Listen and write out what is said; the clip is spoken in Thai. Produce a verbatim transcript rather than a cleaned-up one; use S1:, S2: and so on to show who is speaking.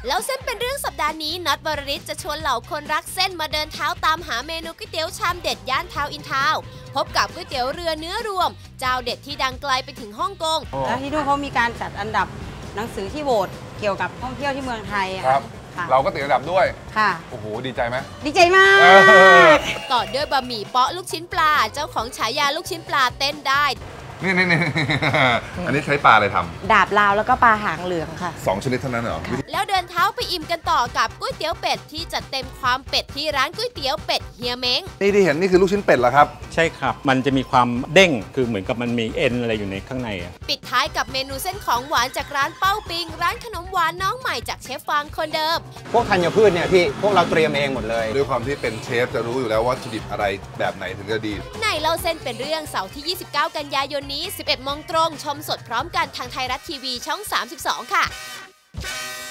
S1: แล้วเส้นเป็นเรื่องสัปดาห์นี้น็อตวรริศจะชวนเหล่าคนรักเส้นมาเดินเท้าตามหาเมนูก๋วยเตี๋ยวชามเด็ดย่านทาวน์อินทาวน์พบกับก๋วยเตี๋ยวเรือเนื้อรวมเจ้าเด็ดที่ดังไกลไปถึงฮ่องกง
S2: แล้วที่นู่นเขามีการจัดอันดับหนังสือที่โหวตเกี่ยวกับท่องเที่ยวที่เมืองไทย
S3: ครับเราก็ติดอันดับด้วย
S2: ค่ะ
S3: โอ้โหดีใจไหม
S2: ดีใจมาก
S1: ต่อด้วยบะหมี่เปาะลูกชิ้นปลาเจ้าของฉายาลูกชิ้นปลาเต้นได้
S3: นี่นี่นี่อันนี้ใช้ปลาอะไรทำ
S2: ดาบลาวแล้วก็ปลาหางเหลืองค่ะ
S3: สองชนิดเท่านั้นเหรอ
S1: แล้วเดินเท้าไปอิ่มกันต่อกับก๋วยเตี๋ยวเป็ดที่จัดเต็มความเป็ดที่ร้านก๋วยเตี๋ยวเป็ดเฮียเม้ง
S3: นี่ที่เห็นนี่คือลูกชิ้นเป็ดเหรอครับ
S4: ใช่ครับมันจะมีความเด้งคือเหมือนกับมันมีเอ็นอะไรอยู่ในข้างใน
S1: ปิดท้ายกับเมนูเส้นของหวานจากร้านเป้าปิงร้านขนมหวานน้องใหม่จากเชฟฟางคนเดิม
S5: พวกธัญพืชเนี่ยพี่พวกเราเตรียมเองหมดเลย
S3: ด้วยความที่เป็นเชฟจะรู้อยู่แล้วว่าวัตถุดิบอะไรแบบไหนถึงจะดี
S1: ในเล่าเส้นเป็นเรื่องเสาร์ที่ยี่สิบเก้ากันยายนนี้สิบเอ็ดโมงตรงชมสดพร้อมกันทางไทยรัฐทีวีช่องสามสิบสองค่ะ